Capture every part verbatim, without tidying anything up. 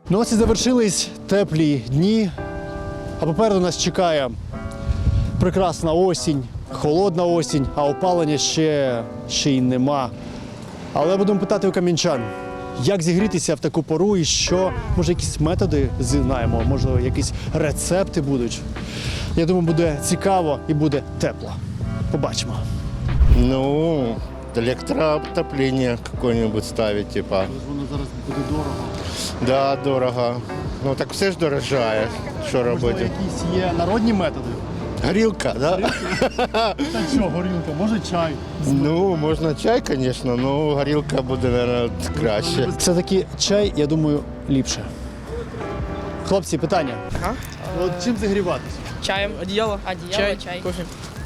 Ну ось і завершились теплі дні, а попереду нас чекає прекрасна осінь, холодна осінь, а опалення ще, ще й нема. Але будемо питати у кам'янчан, як зігрітися в таку пору і що, може, якісь методи знаємо, може, якісь рецепти будуть. Я думаю, буде цікаво і буде тепло. Побачимо. Ну, электроотопление какое-нибудь ставить, типа. Воно зараз буде дорого. Да, дорого. Ну так все ж дорожає. Що Можливо, робити? якісь є народні методи? Горілка, да? Та що, горілка, може чай? Ну, можна чай, звісно, але горілка буде, мабуть, краще. Все-таки чай, я думаю, ліпше. Хлопці, питання. Ага. От чим зігріватися? Чаем. Одеяло. Одеяло, чай. чай. Кофе.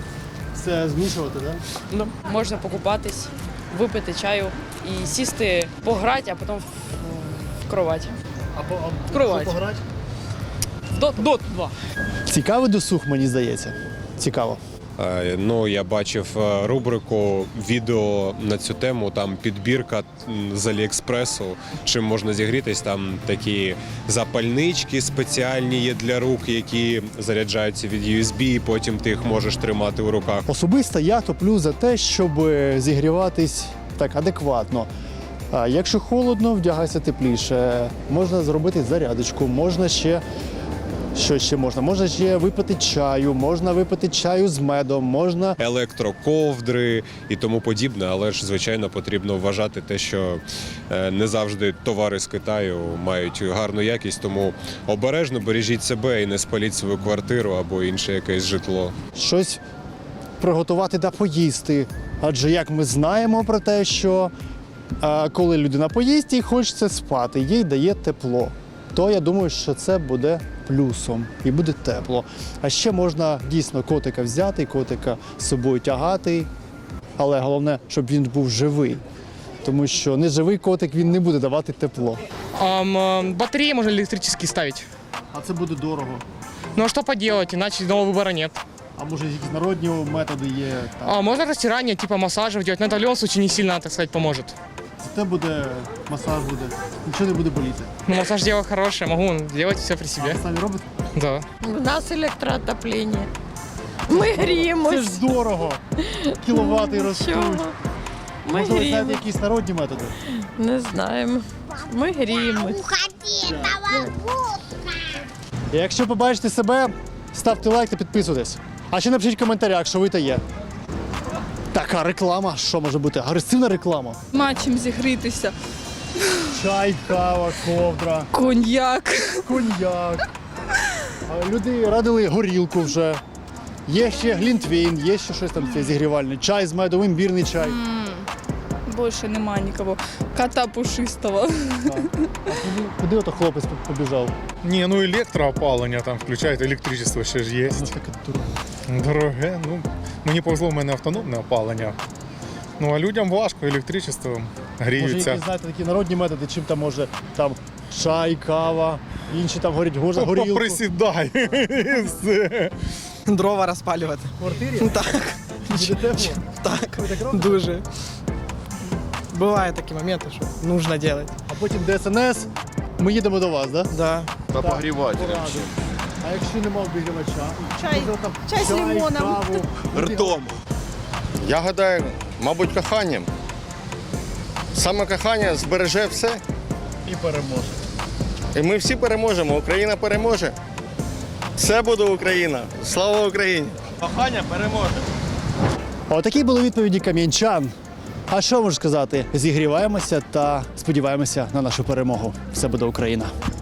Все змішувати, так? Ну, можна покупатись, випити чаю і сісти, пограти, а потім в, в кровать. Або В кровать. пограти? В доту. Дот два. Цікавий досуг, мені здається. Цікаво. Е, Ну, я бачив е, рубрику відео на цю тему, там підбірка м, з Аліекспресу, чим можна зігрітись, там такі запальнички спеціальні є для рук, які заряджаються від ю ес бі, і потім ти їх можеш тримати у руках. Особисто я топлю за те, щоб зігріватись так адекватно. А якщо холодно, вдягайся тепліше. Можна зробити зарядочку, можна ще. Що ще можна? Можна ще випити чаю, можна випити чаю з медом, можна. Електроковдри і тому подібне, але ж, звичайно, потрібно вважати те, що е, не завжди товари з Китаю мають гарну якість, тому обережно бережіть себе і не спаліть свою квартиру або інше якесь житло. Щось приготувати та поїсти. Адже як ми знаємо про те, що а, коли людина поїсть і хочеться спати, їй дає тепло, то я думаю, що це буде плюсом і буде тепло. А ще можна дійсно котика взяти, котика з собою тягати, але головне, щоб він був живий. Тому що неживий котик, він не буде давати тепло. Ам, э, батареи можно электрические ставить. А це буде дорого. Ну а что поделать, иначе иного выбора нет. А може якісь народні методи є? Там. А, можно растирание, типа массажев делать, но это в любом случае не сильно, так сказать, поможет. Це буде масаж буде, нічого не буде боліти. Ну, массаж дело хорошее, могу делать все при А себе. ви самі робите? Да. У нас електроотоплення. Ми Це гріємось. ж дорого. Кіловати ростуть. Чого? Ми Може, ви знаєте гріємось. якісь народні методи? Не знаємо. Ми гріємось. І якщо побачите себе, ставте лайк та підписуйтесь. А ще напишіть в коментарях, що ви та є. Така реклама, що може бути? Агресивна реклама. Нема чим зігрітися. Чай, кава, ковдра, Коньяк. коньяк. А люди радили горілку вже. Є ще глінтвейн, є ще щось там зігрівальне. Чай з медом, імбірний чай. Більше нема нікого. Кота пушистого. Так. А куди, куди ото хлопець побіжав? Ні, ну електроопалення там включають, електричество ще ж є. Воно таке дороге. Дороге, ну мені повезло, в мене автономне опалення. Ну а людям важко, електричеством Може, гріються. якісь, знаєте, такі народні методи, чим там може там чай, кава, інші там горять гор- горілку. Поприсідай. і все. Дрова розпалювати. В квартирі? Так. Буде тепло? Так. Ви так робите? Дуже. Бувають такі моменти, що потрібно робити. А потім де ес ен ес, ми їдемо до вас, так? Да? Да. Та погрівателем. А якщо нема обігрівача? Чай. Може, там Чай з лимоном. каву, Ртом. Я гадаю, мабуть, коханням. Саме кохання збереже все. і переможе. І ми всі переможемо. Україна переможе. Все буде Україна. Слава Україні! Кохання переможе. Отакі були відповіді кам'янчан. А що можу сказати? Зігріваємося та сподіваємося на нашу перемогу. Все буде Україна.